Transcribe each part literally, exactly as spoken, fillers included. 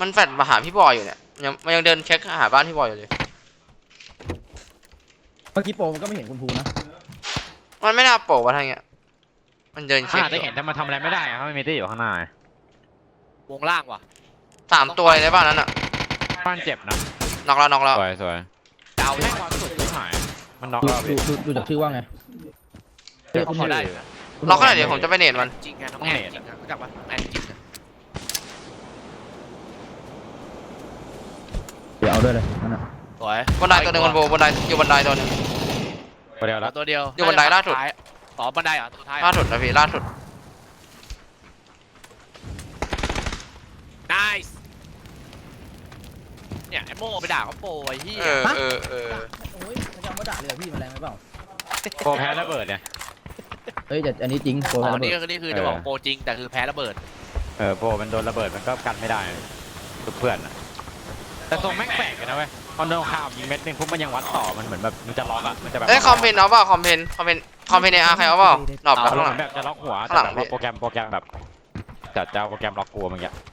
มันแฟดมาหาพี่บอยอยู่เนี่ยยังมันยังเดินเช็คหาบ้านพี่บอยอยู่เลยเมื่อกี้โปรมันก็ไม่เห็นคุณภูนะมันไม่น่าโผล่มาทางเงี้ยมันเดินเช็คอาจจะเห็นแต่มันทำอะไรไม่ได้อะเพราะมันมีตี้อยู่ข้างหน้าวงล่างว่ะสามตัวในบ้านนั้นอ่ะบ้านเจ็บนะน็อกแล้วน็อกแล้วสวยสวยดาวแม่งความสุดที่หายมันน็อกดูแล้วดูดูดูจากชื่อว่าไงเดี๋ยวเขาได้น็อกขนาดเดี๋ยวผมจะไปเนตมันจริงไงน้องแอนจริงรู้จักปะแอนจริงเดี๋ยวเอาด้วยเลยนั่นน่ะสวยบนไดตัวหนึ่งบนโบบนไดอยู่บนไดตัวหนึ่งตัวเดียวแล้วตัวเดียวอยู่บันไดล่าสุดต่อบันไดอ่ะตัวท้ายล่าสุดนะพี่ล่าสุด nice เนี่ยไอ้โม่ไปด่าเขาโปรไอ้ที่เออเออเออโอ้ยมันจะเอามาด่าเลยเหรอพี่มันแรงไหมเปล่าโปรแพ้ระเบิดเนี่ยเฮ้ยแต่อันนี้จริงโปรอ๋อระเบินี่ดก็นี่คือจะบอกโปรจริงแต่คือแพ้ระเบิดเออโปรมันโดนระเบิดมันก็กันไม่ได้ทุกเพื่อนอะแต่ทรงแม่งแปลกนะเว้ยพอโดนข่าวยิงเม็ดนึงปุ๊บมันยังวัดต่อมันเหมือนแบบมันจะล็อกอะมันจะแบบเอ้ยคอมเพนเอาเปล่าคอมเพนคอมเพนคอมเพนในอาร์ใครเอาเปล่าดรอปเอาแล้วเหข้างหลัมือง นแบบจะล็อกหัวข้างหลังแต่แบบว่าโปรแกรมโปรแกรมแบบจัดจะเอาโปรแกรมล็อกกลัวมันเงี้ย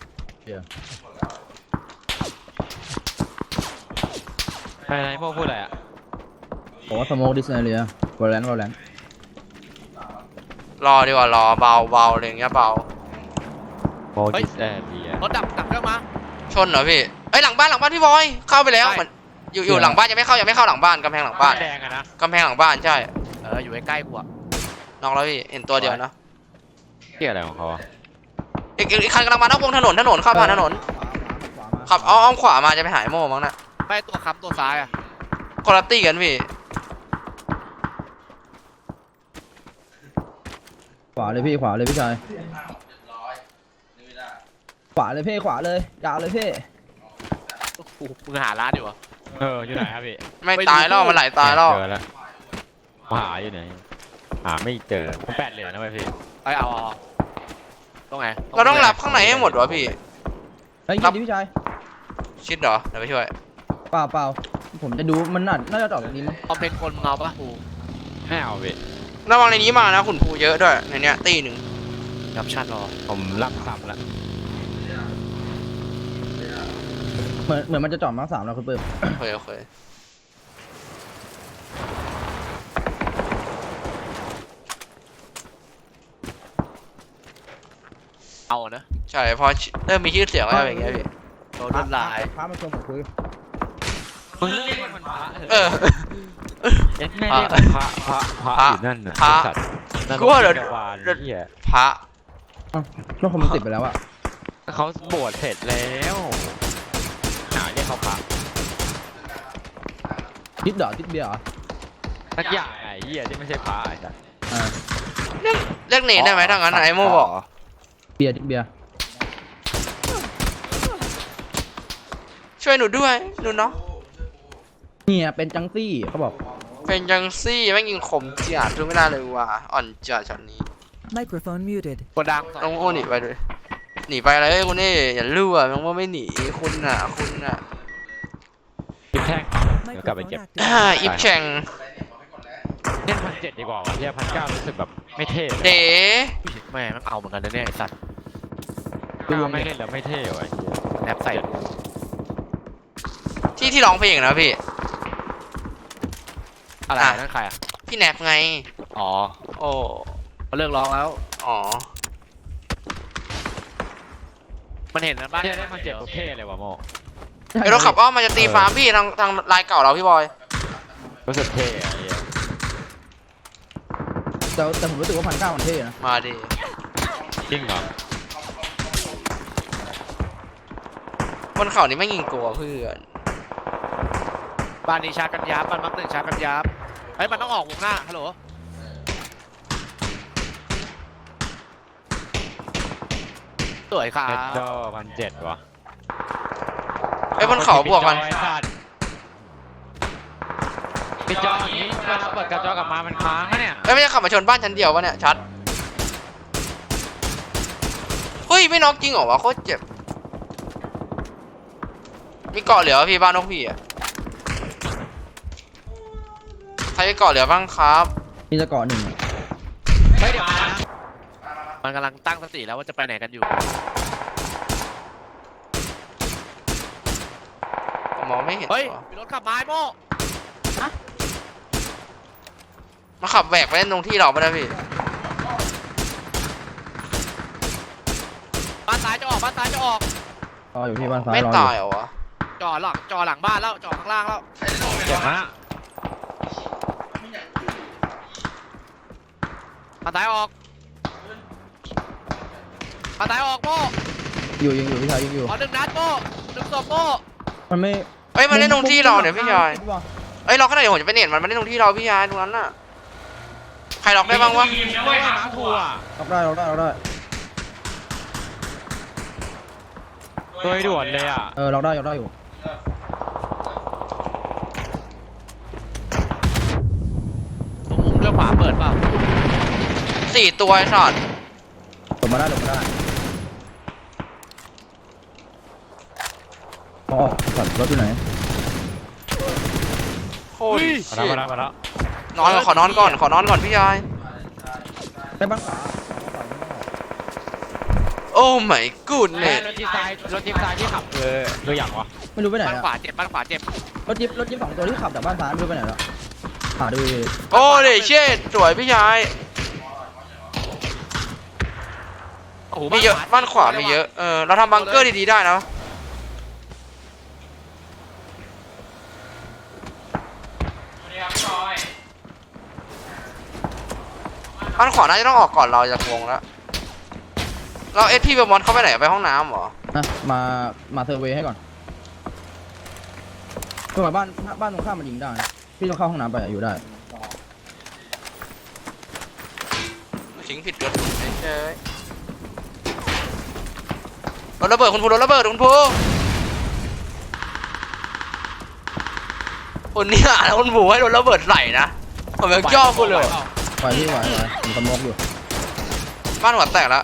อะไรพวกพูดอะไรอะผมว่าสโมกดิสเนเรียวอลเลนวอลเลนรอดีกว่ารอเบาเบาอะไรอย่างเงี้ยเบาโปรดิสแอร์ดีรถดับดับเครื่องมาชนเหรอพี่เอ้ยหลังบ้านหลังบ้านพี่บอยเข้าไปแล้วใช่เหมือนอยู่อยู่หลังบ้านยังไม่เข้ายังไม่เข้าหลังบ้านกำแพงหลังบ้านแดงอะนะกำแพงหลังบ้านใช่เอออยู่ใกล้ๆกูอ่ะน็อกแล้วพี่เห็นตัวเดียวนะเกี่ยอะไรของเขาอะอีกอีกอีกคันกำลังมานอกวงถนนถนนเข้าผ่านถนนขับอ้อมขวามาจะไปหายโม่มั้งนะไม่ตัวค้ำตัวซ้ายอ่ะคนละตี้กันพี่ขวาเลยพี่ขวาเลยพี่ชายขวาเลยพี่ขวาเลยยาวเลยพี่โอ้โหมึงหาร้านอยู่วะเอออยู่ไหนครับพี่ไม่ตายแล้วมันไหลตายแล้วเจอแล้วหาอยู่ไหนหาไม่เจอผมแปดเหรียญนะเว้ยพี่ไอ้เอาเอาตรงไหนเราต้องรับข้างในให้หมดวะพี่เฮ้ยยิงดิพี่ชายชิดเหรอเดี๋ยวไปช่วยเปล่าเปล่าผมจะดูมันน่าน่าจะตอบแบบนี้มั้งคอมเพนคนมึงเอาปะกูไม่เอาพี่ระวังในนี้มานะขุนภูเยอะด้วยในเนี้ยตีหนึ่งรับชัดรอผมรับซ้ำแล้วเหมือนเหมือนมันจะจอดมาร์คสามแล้วคุณเปิ้มโอเคโอเคเอานะใช่พอเริ่มมีชื่อเสียงแล้วอย่างเงี้ยพี่โดนลวดลายพามาชมผมคุยมึงเรียกมันพระเออเอ็ดแม่เรียกมันพระพระพระอยู่นั่นน่ะพระสัตว์นั่นกูว่าเดี๋ยวจักรวาลเหี้ยพระอ้าวช่วงคอมมันติดไปแล้วอะเขาบวชเสร็จแล้วหาเรียกเขาพระทิดเหรอทิดเบียร์เหรอสักอย่างไอ้เหี้ยที่ไม่ใช่พระไอ้สัตว์อ่าเรียกเรียกหนีได้ไหมถ้างั้นไอ้โม่บอกเบียร์ทิดเบียร์ช่วยหนูด้วยหนูเนาะเนี่ยเป็นจังซี่เขาบอกเป็นจังซี่แม่งยิงขมจัดทุกไม่ได้เลยว่ะอ่อนจัดช็อตนี้ Microphone muted. กดดังน้องโม่หนีไปเลยหนีไปเลยคุณนี่อย่าลู่อ่ะน้องโม่ไม่หนีคุณอ่ะคุณอ่ะยิบแท่ง เดี๋ยวกลับไปเก็บ Microphone อ่า activated. อิฟแชงเล่นพันเจ็ดดีกว่าวะเหี้ยพันเก้ารู้สึกแบบไม่เท่เลยเด๋แม่มันเอาเหมือนกันนะเนี่ยไอ้สัตว์เก้าไม่เล่นแล้วไม่เท่ว่ะไอ้เหี้ยแนบใส่ที่ที่ร้องเพลงนะพี่อะไรอ่ะนั่นใครอ่ะพี่แนบไงอ๋อโอ้เขาเลิกร้องแล้วอ๋อมันเห็นนะบ้านเหี้ยเล่นพันเจ็ดโอเคเลยว่ะโมไอ้รถขับอ้อมมันจะตีฟาร์มพี่ทางทางลายเก่าเราพี่บอยรู้สึกเท่อะไอ้เหี้ยแต่แต่ผมรู้สึกว่าพันเก้ามันเท่นะมาดิจริงเหรอบนเขานี่ไม่ยิงกลัวเพื่อนบ้านนี้ชาร์จกันยับบ้านมักหนึ่งชาร์จกันยับเฮ้ยมันต้องออกวงหน้าฮัลโหลสวยครัเอ็ดบโดพันเจ็ดว่ะไอ้บนเขาบวกกันปิดจออย่างนี้เวลาเปิดกระจกกลับมามันค้างอะเนี่ยเอ้ยไม่ใช่ขับมาชนบ้านชั้นเดียววะเนี่ยชัดเฮ้ยไม่น็อกจริงเหรอวะโคตรเจ็บมีเกาะเหลือพี่บ้านนกพี่อ่ะใครจะเกาะเหลือบ้างครับมีจะเกาะหนึ่งอะเฮ้ยเดี๋ยวมานะมันกำลังตั้งสติแล้วว่าจะไปไหนกันอยู่มองไม่เห็นเฮ้ยว่ะมีรถขับมาไอ้โม่มาขับแหวกไปเล่นตรงที่เราไม่ได้พี่บ้านซ้ายจะออกบ้านซ้ายจะออกรออยู่ที่บ้านซ้ายไม่รออตายยู่เหรอวะจอดหลังจอดหลังบ้านแล้วจอดข้างล่างแล้วเจ็บนะบ้านซ้ายออกบ้านซ้ายออกโม่อยู่ยิงอยู่พี่ชายยิงอยู่ขอหนึ่งนัดโม่หนึ่งศพโม่มันไม่เอ้ยมาเล่นตรงที่เราเนี่ยพี่ชายเอ้ยล็อกขนาดเดี๋ยวผมจะไปเน็ตมันมาเล่นตรงที่เราพี่ชายตรงนั้นน่ะใครล็อกได้บ้างวะไม่หาทัวร์ล็อกได้ล็อกได้ล็อกได้โดยด่วนเลยอ่ะเออล็อกได้ล็อกได้อยู่ตรงมุมเลี้ยวขวาเปิดเปล่าสี่ตัวไอ้สัตว์หลบมาได้หลบมาได้มองออกก่อนรถอยู่ไหนโอ้ยมาแล้วมาแล้วมาแล้วนอนก่อนขอนอนก่อนขอนอนก่อนพี่ชายได้บ้านขวาโอ้ my กูดแม่เน็ตรถจิ๊บซ้ายรถจิ๊บซ้ายที่ขับเออตัวอย่างวะไม่รู้ไปไหนบ้านอะขวาเจ็บบ้านขวาเจ็บรถจิ๊บรถจิ๊บสองตัวที่ขับจากบ้านซ้ายไม่รู้ไปไหนแล้วหาดูดิโอ้เดชเช่สวยพี่ชายโอ้โหมีเยอะบ้านขวามีเยอะเออเราทำบังเกอร์ดีๆได้นะบ้านขวาน่าจะต้องออกก่อนเราจากวงแล้วเราเอสพีเบอร์มอนเข้าไปไหนไปห้องน้ำเหรอนะมามาเซอร์เวย์ให้ก่อนเพื่อมาบ้านบ้านตรงข้ามมันยิงได้นะพี่ต้องเข้าห้องน้ำไปอะอยู่ได้ทิ้งผิดรถเฉยรถระเบิดคุณภูรถระเบิดคุณภูคนนี้อ่ะแล้วคุณภูให้รถระเบิดไหลนะผมยังย่อคุณเลยไหวพี่ไหวไหวผมสมกอยู่บ้านหัวแตกแล้ว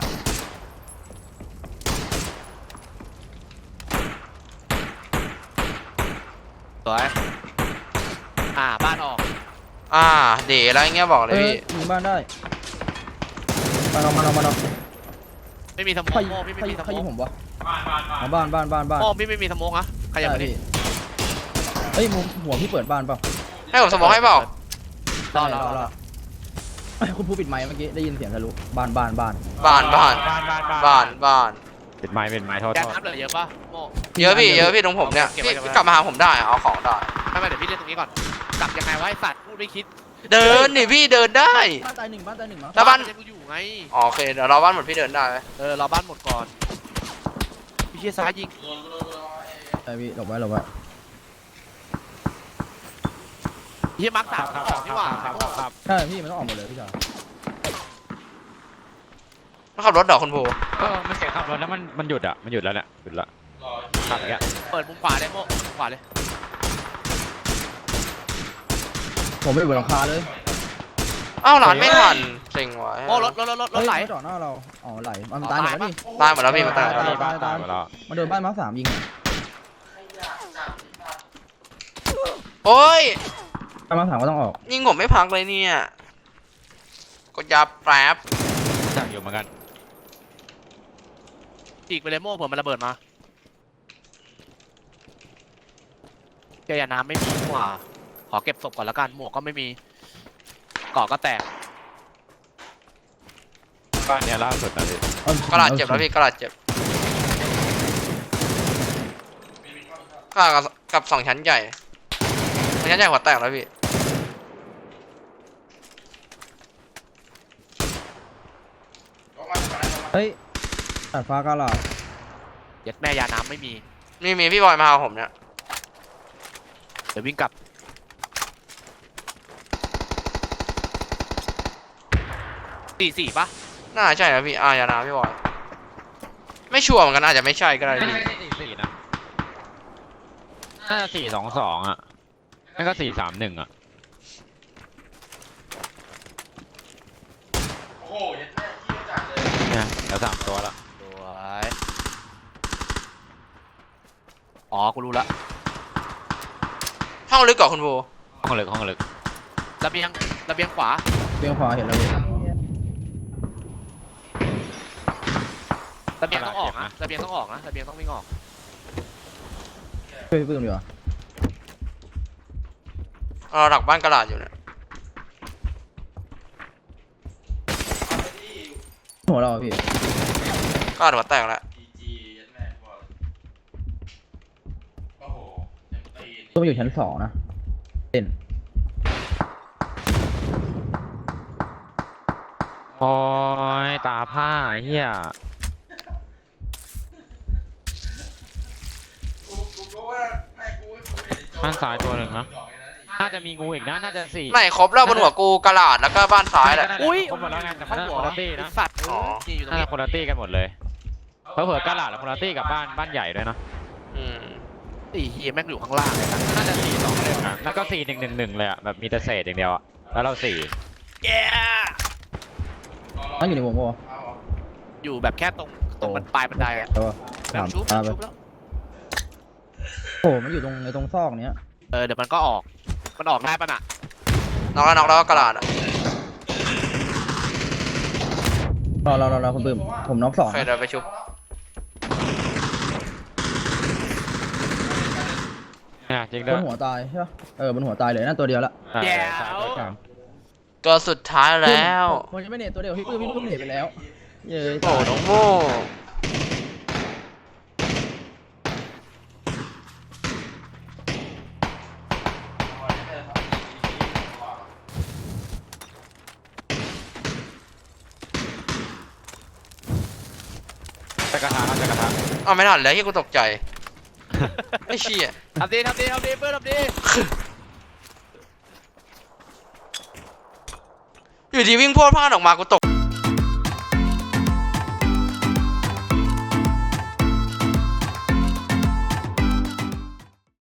สวยอ่าบ้านออกอ่าเด๋อะไรเงี้ยบอกเลยเอ้ยพี่ยิงบ้านได้มาเอามาเอามาเอาไม่มีสโมใครกโม่พี่ไม่ใครมีสใครโมยิกงผมวะอ๋อบ้านบ้านบ้านบ้านโม่พี่ไม่มีสโมกนะใครอยากไปดิพี่เฮ้ยมุมหัวพี่เปิดบ้านเปล่าให้ผมสมองให้เปล่ารอรอรอเอ้ยคุณผู้ปิดไมค์เมื่อกี้ได้ยินเสียงทะลุบ้านบ้านบ้านบ้านบ้านบ้านบ้านบ้านบ้านเป็นไม้เป็นไม้โทษแกโทษน้ำเหลือเยอะปะโม่เยอะพี่เยอะพี่ตรงผมเนี่ยเก็บไว้พี่เก็บไว้พี่กลับมาหาผมได้อะเอาของได้ไม่ไม่เดี๋ยวพี่เล่นตรงนี้ก่อนกลับยังไงวะไอ้สัตว์พูดไม่คิดเดินนี่พี่เดินได้บ้านตายหนึ่งบ้านตายหนึ่งมั้งแล้วบ้านมัยังอยู่ไงอ๋อโอเคเดี๋ยวเราบ้านหมดพี่เดินได้ไหมเออเราบ้านหมดก่อนพี่เชี่ยซ้ายยิงใช่พี่หลบไว้หลบไว้พี่เชี่ยมาร์คสามครับออกนี่หว่าครับครับครับใช่พี่มันต้องออกหมดเลยพี่ชายมาขับรถเดอกคุณภูเออมันเสียงขับรถแล้วมันมันหยุดอ่ะมันหยุดแล้วเนี่ยหยุดละขับอย่างเงี้ยเปิดมุมขวาเลยโม่มุมขวาเลยผมไม่อยู่บนหลังคาเลยอ้าวหลานไม่ทันเซ็งว่ะโม่รถรถรถรถรถไหลเฮ้ยม่จอดหน้าเราอ๋อไหลมันตายหมดแล้วนี่ตายหมดแล้วพี่มันตายหมดตาแล้วยบ้านตายหมดแล้วมาโดนบ้านมาร์คสามยิงโอ้ยบ้านมาร์คสามก็ต้องออกยิงผมไม่พักเลยเนี่ยกดยับแป๊บสั่งอยู่เหมือนกันอีกไปเลยโม่เผื่อมันระเบิดมาเจอยาน้ำไม่มีหว่าขอเก็บศพก่อนแล้วกันหมวกก็ไม่มีเกาะก็แตกบ้านเนี้ยล่าสุดนะพี่เอากระดาษเจ็บแล้วพี่กระดาษเจ็บกระดาษกับกับสองชั้นใหญ่สองชั้นใหญ่หัวแตกแล้วพี่เฮ้ยตัดฟ้ากาลาดเย็ดแม่ยาน้ำไม่มีมีมีพี่บอยมาหาผมเนี่ยเดี๋ยววิ่งกลับสี่สี่ปะน่าใช่นะพี่อายานาพี่บอยไม่ชัวร์เหมือนกันอาจจะไม่ใช่ก็ได้ไม่พี่ใช่สี่สี่นะน่าจะสี่สองสองอ่ะนั่นก็สี่สามหนึ่งอ่ะ เนี่ยแล้วสามตัวละสวยอ๋อกูรู้ละห้องลึกกว่าคุณภูห้องลึกห้องลึกระเบียงระเบียงขวาเบี้ยงขวาเห็นแล้วพี่ระเบียงต้องออกนะระเบียงต้องออกนะระเบียงต้องวิ่งออกช่วยพี่ปื้มดีกว่าเราหลักบ้านกระดาษอยู่เนี่ยหัวเราอะพี่กระดาษหัวแตกแล้วตัวมันอยู่ชั้นสองนะเต้นโอ้ยตาผ้าไอ้เฮียข้างซ้ายตัวหนึ่งนะน่าจะมีงูอีกนะน่าจะสี่ไม่ครบแล้วบนหัวกูกระดาษแล้วก็บ้านซ้ายแหละอุ้ยครบหมดแล้วไงแต่มันเข้าน่าหัวคนละตี้ไอ้นะสัตว์อ๋อนี่อยู่ตรงน่านี้จะคนละตี้กันหมดเลยเพราะเผื่อกระหลาดและคนละตี้กับบ้านบ้านใหญ่ด้วยนะอืมไอ้เฮียแม่งอยู่ข้างล่างเลยนะน่าจะสี่สองเลยนะแล้วก็สี่หนึ่งหนึ่งหนึ่งเลยอ่ะแบบมีแต่เศษอย่างเดียวอ่ะแล้วเราสี่แย่นั่งอยู่ในวงปะวะอยู่แบบแค่ตรงตรงมันปลายบันไดอะเออแบถาบมชุบตามไปชุบแล้วโอ้มันอยู่ตรงในตรงซอกเนี้ยเออเดี๋ยวมันก็ออกมันออกได้ปะน่ะน็อกแล้วน็อกแล้วก็กระดาษอะรอรอรอรอคุณปื้มผมน็อกสองเคยเดินไปชุบเนี่ยจริงบด้วยนหัวตายใช่ปะเออบนหัวตายเลยนั่นตัวเดียวละอ่าแย่ใช่ตัวกลางตัวสุดท้ายแล้วผมจะไม่เน็ตตัวเดียวพี่ปื้มพี่ปื้มเน็ตไปแล้วเย้ยโอ้น้องโม่จะกระทะครับจะกระทะเอาไม่ทันแล้วที่กูตกใจไอ้เชี่ยทำดีทำดีทำดีเพื่อนทำดีอยู่ดีวิ่งโพดพลาดออกมากูตก